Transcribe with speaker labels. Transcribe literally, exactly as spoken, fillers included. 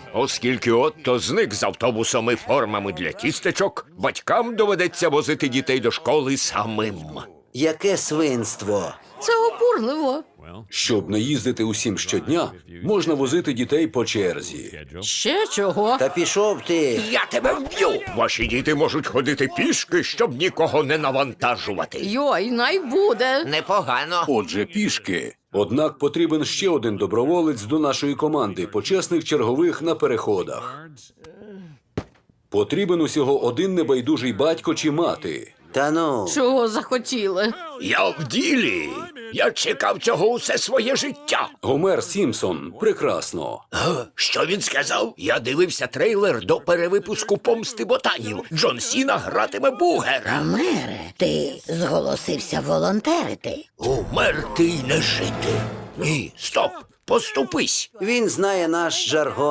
Speaker 1: Оскільки Отто зник з автобусом і формами для тістечок, батькам доведеться возити дітей до школи самим.
Speaker 2: Яке свинство.
Speaker 3: Це обурливо.
Speaker 4: Щоб не їздити усім щодня, можна возити дітей по черзі.
Speaker 3: Ще чого?
Speaker 2: Та пішов ти.
Speaker 1: Я тебе вб'ю! Ваші діти можуть ходити пішки, щоб нікого не навантажувати.
Speaker 3: Йой, най буде.
Speaker 5: Непогано.
Speaker 4: Отже, пішки. Однак потрібен ще один доброволець до нашої команди почесних чергових на переходах. Потрібен усього один небайдужий батько чи мати.
Speaker 2: Та ну.
Speaker 3: Чого захотіли?
Speaker 1: Я в ділі. Я чекав цього усе своє життя.
Speaker 4: Гомер Сімпсон. Прекрасно.
Speaker 1: Га, Що він сказав? Я дивився трейлер до перевипуску «Помсти ботанів». Джон Сіна гратиме Бугера.
Speaker 6: Гомере, ти зголосився волонтерити.
Speaker 1: Умерти й не жити. Ні, стоп, поступись.
Speaker 2: Він знає наш жаргон.